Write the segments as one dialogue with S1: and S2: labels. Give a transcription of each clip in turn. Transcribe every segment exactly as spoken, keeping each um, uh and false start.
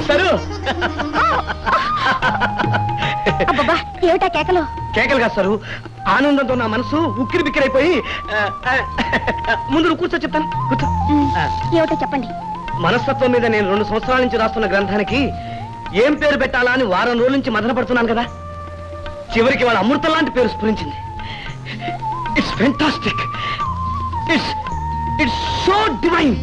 S1: Sir
S2: అబ్బబ్బా ఏమిటా కేకలు?
S1: కేకలు కాదు సరు, ఆనందంతో నా మనసు ఉక్కిరి బిక్కిరైపోయి. ముందు నువ్వు కూర్చో, చెప్తాను, కూర్చో.
S2: ఏమిటో చెప్పండి.
S1: మనస్తత్వం మీద నేను రెండు సంవత్సరాల నుంచి రాస్తున్న గ్రంథానికి ఏం పేరు పెట్టాలా అని వారం రోజుల నుంచి మదన పడుతున్నాను కదా. చివరికి వాళ్ళ అమృతం లాంటి పేరు స్ఫురించింది. It's fantastic, it's it's so divine.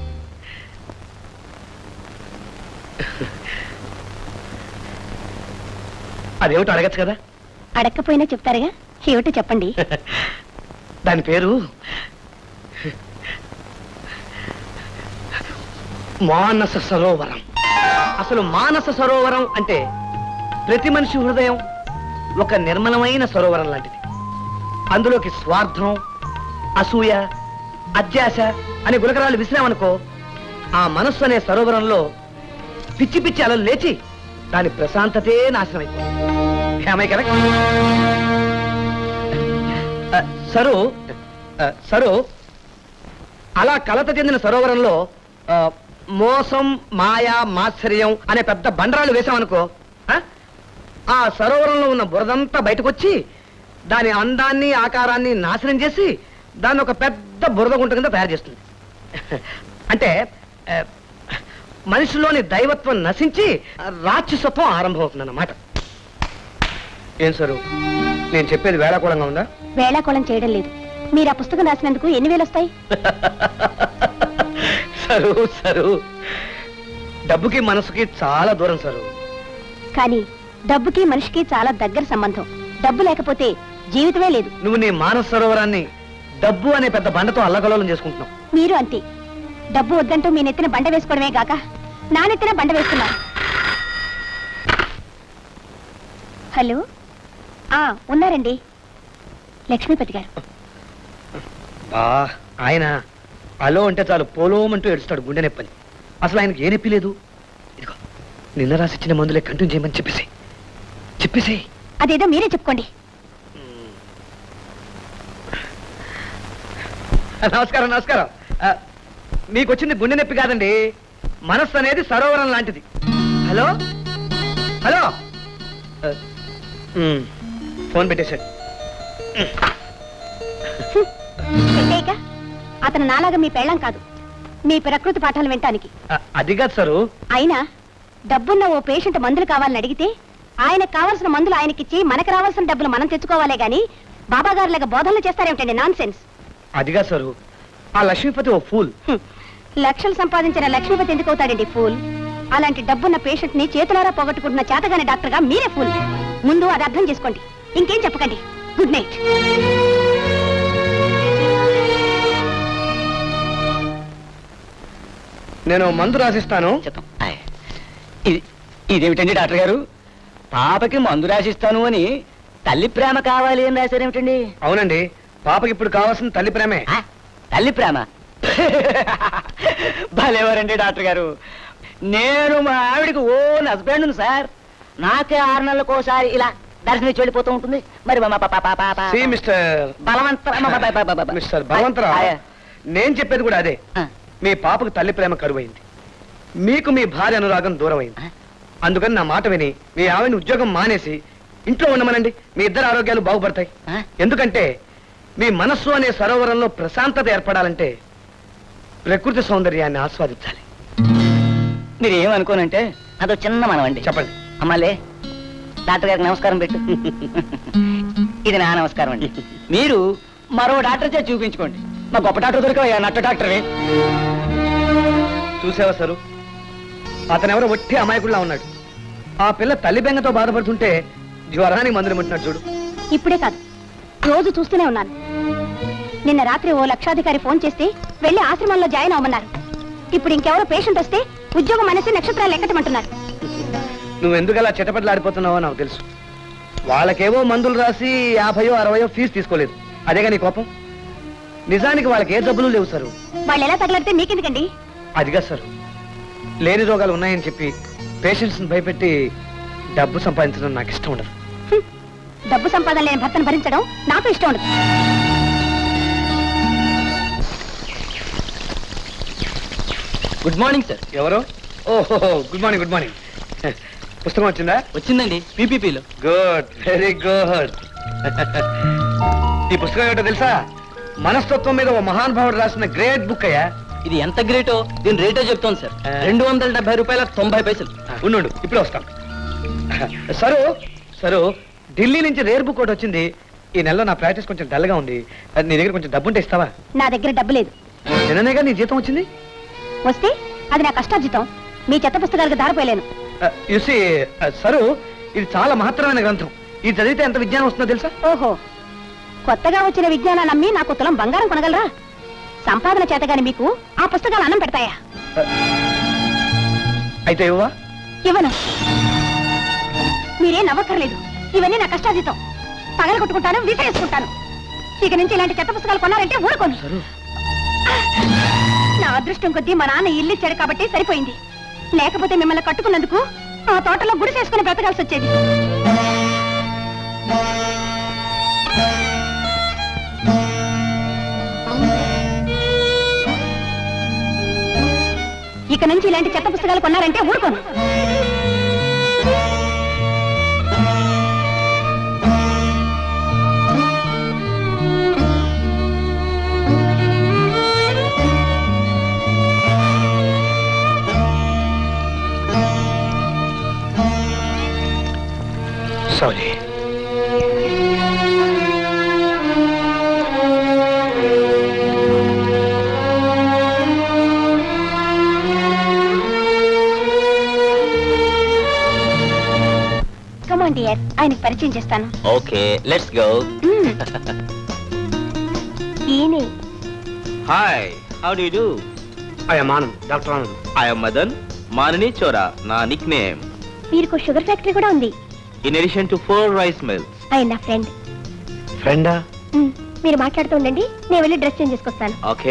S1: అదేమిటో అడగచ్చు కదా.
S2: అడగకపోయినా చెప్తారుగా, ఏమిటో చెప్పండి.
S1: దాని పేరు మానస సరోవరం. అసలు మానస సరోవరం అంటే ప్రతి మనిషి హృదయం ఒక నిర్మలమైన సరోవరం లాంటిది. అందులోకి స్వార్థం, అసూయ, అత్యాశ అనే గులకరాలు విసిరామనుకో, ఆ మనస్సు అనే సరోవరంలో పిచ్చి పిచ్చి అలలు లేచి దాని ప్రశాంతతే నాశనం అయిపోయింది. కరెక్ట్ సరు సరు అలా కలత చెందిన సరోవరంలో మోసం, మాయ, మాత్సర్యం అనే పెద్ద బండరాలు వేసామనుకో, ఆ సరోవరంలో ఉన్న బురదంతా బయటకు వచ్చి దాని అందాన్ని, ఆకారాన్ని నాశనం చేసి దాన్ని ఒక పెద్ద బురద గుంట కింద తయారు చేస్తుంది. అంటే మనిషిలోని దైవత్వం నశించి రాక్షసత్వం ఆరంభమవుతుందన్నమాట. ఏం సరు, నేను చెప్పేది వేళాకోళంగా ఉందా?
S2: వేళాకోళం చేయడం లేదు. మీరు ఆ పుస్తకం రాసినందుకు ఎన్ని వేలు వస్తాయి?
S1: సరు సరు డబ్బుకి మనసుకి చాలా దూరం సరు.
S2: కానీ డబ్బుకి మనిషికి చాలా దగ్గర సంబంధం. డబ్బు లేకపోతే జీవితమే లేదు.
S1: నువ్వు నీ మానస సరోవరాన్ని డబ్బు అనే పెద్ద బండతో అల్లకల్లోలం చేసుకుంటున్నావు.
S2: మీరు అంతే. డబ్బు వద్దంటూ మీ నెత్తిన బండ వేసుకోవడమే గాక నా నెత్తిన బండ వేస్తున్నారు. హలో, ఆ ఉన్నారండి, లక్ష్మీపతి గారు.
S1: ఆయన అలో అంటే చాలు పోలోమంటూ ఏడుస్తాడు, గుండె నొప్పని. అసలు ఆయనకి ఏ నొప్పి లేదు. ఇదిగో నిన్న రాసిచ్చిన మందులే కంటిన్యూ చేయమని చెప్పేసి చెప్పేసి
S2: అదేదో మీరే చెప్పుకోండి.
S1: నమస్కారం నమస్కారం. మీకు వచ్చింది గుండె నొప్పి కాదండి, మనస్సు అనేది సరోవరం లాంటిది. హలో హలో ఫోన్ పెట్టేశాడు.
S2: అతను నాలాగా మీ పెళ్ళం కాదు, మీ ప్రకృతి పాఠాలు వినటానికి.
S1: అది కాదు సరు.
S2: అయినా డబ్బున్న ఓ పేషెంట్ మందులు కావాలని అడిగితే ఆయనకు కావాల్సిన మందులు ఆయనకిచ్చి మనకు రావాల్సిన డబ్బులు మనం తెచ్చుకోవాలే గాని బాబా గారు లాగా బోధనలు చేస్తారేమిటండి? Non sense.
S1: అది కాదు సరు, ఆ లక్ష్మీపతి ఓ ఫూల్.
S2: లక్షలు సంపాదించిన లక్ష్మీపతి ఎందుకు అవుతాడండి ఫూల్? అలాంటి డబ్బున్న పేషెంట్ ని చేతులారా పోగొట్టుకుంటున్న చేతగాని డాక్టర్ గా మీరే ఫూల్. ముందు అది అర్థం చేసుకోండి, ఇంకేం చెప్పకండి. Good night.
S1: నేను మందు రాసిస్తాను.
S3: ఇదేమిటండి డాక్టర్ గారు, పాపకి మందు రాసిస్తాను అని తల్లి ప్రేమ కావాలి అని రాశారేమిటండి?
S1: అవునండి, పాపకి ఇప్పుడు కావాల్సిన తల్లి ప్రేమే.
S3: తల్లి ప్రేమ? భలేవారండి డాక్టర్ గారు. నేను మా ఆవిడికి ఓన్ హస్బెండ్ సార్. నాకే ఆరు నెలలకోసారి ఇలా దర్శనం ఇచ్చి వెళ్ళిపోతూ ఉంటుంది. మరి
S1: మిస్టర్ బలవంతరావు, నేను చెప్పేది కూడా అదే. మీ పాపకు తల్లి ప్రేమ కరువైంది, మీకు మీ భార్య అనురాగం దూరం అయింది. అందుకని నా మాట విని మీ ఆవిడని ఉద్యోగం మానేసి ఇంట్లో ఉండమనండి. మీ ఇద్దరు ఆరోగ్యాలు బాగుపడతాయి. ఎందుకంటే మీ మనస్సు అనే సరోవరంలో ప్రశాంతత ఏర్పడాలంటే ప్రకృతి సౌందర్యాన్ని ఆస్వాదించాలి.
S3: మీరు ఏమనుకోనంటే అదో చిన్న మనవండి.
S1: చెప్పండి.
S3: అమ్మాలే, డాక్టర్ గారికి నమస్కారం పెట్టు. ఇది నా నమస్కారం అండి. మీరు మరో డాక్టర్ చే చూపించుకోండి. మా గొప్ప డాక్టర్ దొరికా నట్ట డాక్టరే.
S1: చూసావా సరు, అతనెవరో ఒట్టి అమాయకుడిలా ఉన్నాడు. ఆ పిల్ల తల్లి బెంగతో బాధపడుతుంటే జ్వరానికి మందులు ముట్టినాడు చూడు.
S2: ఇప్పుడే కాదు, రోజు చూస్తూనే ఉన్నాను. నిన్న రాత్రి ఓ లక్షాధికారి ఫోన్ చేస్తే వెళ్లి ఆశ్రమంలో జాయిన్ అవ్వమన్నారు. ఇప్పుడు ఇంకెవరో పేషెంట్ వస్తే ఉద్యోగం అనేసి నక్షత్రాలు ఎక్కటమంటున్నారు.
S1: నువ్వెందుకు అలా చిటపట్లాడిపోతున్నావో నాకు తెలుసు. వాళ్ళకేవో మందులు రాసి యాభయో అరవయో ఫీజు తీసుకోలేదు, అదేగా నీ కోపం. నిజానికి వాళ్ళకి ఏ జబ్బులు లేవు సారు.
S2: వాళ్ళు ఎలా తగలడితే మీకెందుకండి?
S1: అదిగా సార్, లేని రోగాలు ఉన్నాయని చెప్పి పేషెంట్స్ భయపెట్టి డబ్బు సంపాదించడం నాకు ఇష్టం ఉండదు.
S2: డబ్బు సంపాదన లేని భర్తను భరించడం నాకు ఇష్టం ఉండదు.
S3: Good morning sir.
S1: ఎవరు? ఓహో గుడ్ మార్నింగ్ గుడ్ మార్నింగ్ పుస్తకం వచ్చిందా?
S3: వచ్చిందండి పీపీపీలో.
S1: Good very good. ఈ పుస్తకం ఏమిటో తెలుసా? మనస్తత్వం మీద ఓ మహానుభావుడు రాసిన గ్రేట్ బుక్ అయ్యా.
S3: ఇది ఎంత గ్రేటో దీని రేటో చెప్తాను సార్. రెండు వందల డెబ్బై రూపాయల తొంభై పైసలు.
S1: ఉండు ఇప్పుడే వస్తాం. సరు సరు ఢిల్లీ నుంచి రేర్ బుక్ ఒకటి వచ్చింది. ఈ నెలలో నా ప్రాక్టీస్ కొంచెం డల్ గా ఉంది. అది నీ దగ్గర కొంచెం డబ్బు ఉంటే ఇస్తావా?
S2: నా దగ్గర డబ్బు లేదు.
S1: నిన్ననేగా నీ జీతం వచ్చింది.
S2: వస్తే అది నా కష్టార్జితం. మీ చెత్త పుస్తకాలకు దారిపోయలేను.
S1: యుసి సరు ఇది చాలా మహత్తరమైన గ్రంథం. ఇది చదివితే ఎంత విజ్ఞానం వస్తుందో తెలుసా?
S2: ఓహో, కొత్తగా వచ్చిన విజ్ఞానాన్ని నమ్మి నాకు తులం బంగారం కొనగలరా? సంపాదన చేతగాని మీకు ఆ పుస్తకాలు అన్నం పెడతాయా?
S1: అయితే ఇవ్వవా?
S2: ఇవ్వను. మీరేం నవ్వక్కర్లేదు. ఇవన్నీ నా కష్టార్జితం. పగల కొట్టుకుంటాను, విసిరేసుకుంటాను. ఇక నుంచి ఇలాంటి చెత్త పుస్తకాలు కొన్నారంటే ఊరుకోను. నా అదృష్టం కొద్దీ మా నాన్న ఇల్లు ఇచ్చాడు కాబట్టి సరిపోయింది. లేకపోతే మిమ్మల్ని కట్టుకున్నందుకు ఆ తోటలో గుడిసేసుకుని బ్రతకాల్సి వచ్చేది. ఇక నుంచి ఇలాంటి చెత్త పుస్తకాలు కొన్నారంటే ఊరుకోను.
S1: సారీ.
S2: కమాన్ డియర్, ఆయనకి పరిచయం చేస్తాను.
S4: Okay let's go.
S2: మ్మ్. ఈయనే.
S4: Hi, how do you do?
S1: I'm Anand, doctor Anand.
S4: I am Madan, మానని చోరా నా నిక్ నేమ్.
S2: వీరికి షుగర్ ఫ్యాక్టరీ కూడా ఉంది.
S4: In addition to four rice mills.
S2: ఆయన నా ఫ్రెండ్.
S1: ఫ్రెండా?
S2: మ్మ్. మీరు మాట్లాడుతూ ఉండండి, నేను వెళ్ళి డ్రెస్ చేంజ్ చేసుకొస్తాను.
S4: ఓకే.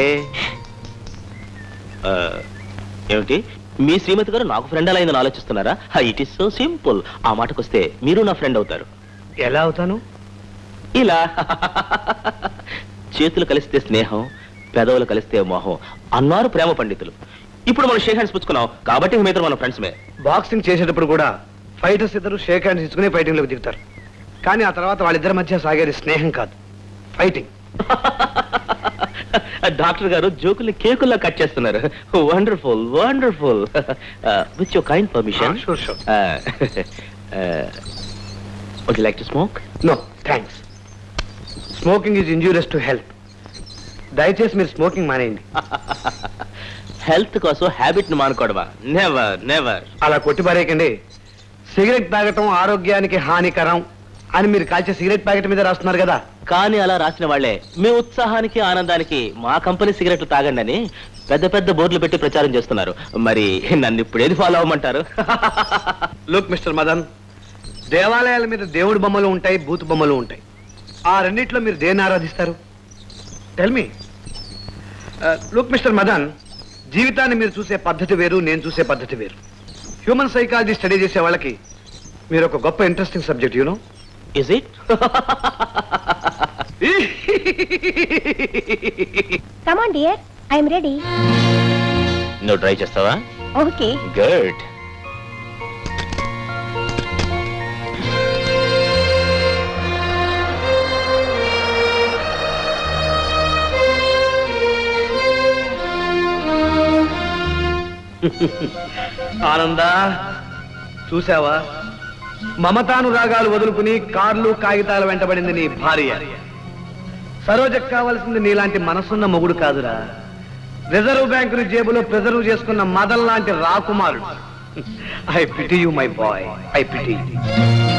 S4: ఏమిటి మీ శ్రీమతి గారు నాకు ఫ్రెండ్ అలా అయిందని ఆలోచిస్తున్నారా? It is so simple. ఆ మాటకొస్తే మీరు నా ఫ్రెండ్ అవుతారు.
S1: ఎలా అవుతాను?
S4: ఇలా చేతులు కలిస్తే స్నేహం, పెదవులు కలిస్తే మోహం అన్నారు ప్రేమ పండితులు. ఇప్పుడు మనం షేక్ హ్యాండ్స్ పుచ్చుకున్నాం కాబట్టి మీ ఇద్దరు మన ఫ్రెండ్స్మే.
S1: బాక్సింగ్ చేసేటప్పుడు కూడా ఫైటర్స్ ఇద్దరు షేక్ హ్యాండ్స్ ఇచ్చుకుని ఫైటింగ్ లోకి దిగుతారు. కానీ ఆ తర్వాత వాళ్ళిద్దరి మధ్య సాగేది స్నేహం కాదు, ఫైటింగ్.
S4: డాక్టర్ గారు జోకుల్ని కేకుల్లా కట్ చేస్తున్నారు. Wonderful wonderful. With your kind permission.
S1: Sure sure.
S4: Would you like to smoke?
S1: No thanks. Smoking is injurious to health. దయచేసి మీరు స్మోకింగ్ మానేయండి.
S4: హెల్త్ కోసం హ్యాబిట్ ను మానుకోవడమా? Never never.
S1: అలా కొట్టి పారేయకండి. సిగరెట్ తాగటం ఆరోగ్యానికి హానికరం అని మీరు కాల్చే సిగరెట్ ప్యాకెట్ మీద రాస్తున్నారు కదా.
S4: కానీ అలా రాసిన వాళ్లే మీ ఉత్సాహానికి ఆనందానికి మా కంపెనీ సిగరెట్లు తాగండి అని పెద్ద పెద్ద బోర్డులు పెట్టి ప్రచారం చేస్తున్నారు. మరి నన్ను ఇప్పుడు ఏది ఫాలో అవ్వమంటారు?
S1: లుక్ మిస్టర్ మదన్, దేవాలయాల మీద దేవుడి బొమ్మలు ఉంటాయి, బూతు బొమ్మలు ఉంటాయి. ఆ రెండిట్లో మీరు దేన్ని ఆరాధిస్తారు? Tell me. Look mister Madan, జీవితాన్ని మీరు చూసే పద్ధతి వేరు, నేను చూసే పద్ధతి వేరు. హ్యూమన్ సైకాలజీ స్టడీ చేసే వాళ్ళకి మీరు ఒక గొప్ప interesting subject. You know
S4: is it?
S2: Come on dear, I'm ready.
S4: నువ్వు ట్రై చేస్తావా?
S2: ఓకే.
S4: గుడ్.
S1: ఆనందా, చూసావా? మమతాను రాగాలు వదులుకుని కార్లు కాగితాలు వెంటబడింది నీ భార్య. సరోజకు కావలసింది నీలాంటి మనసున్న మొగుడు కాదురా, రిజర్వ్ బ్యాంకుని జేబులో ప్రిజర్వ్ చేసుకున్న మదన్ లాంటి రాకుమారుడు. I pity you my boy, I PT.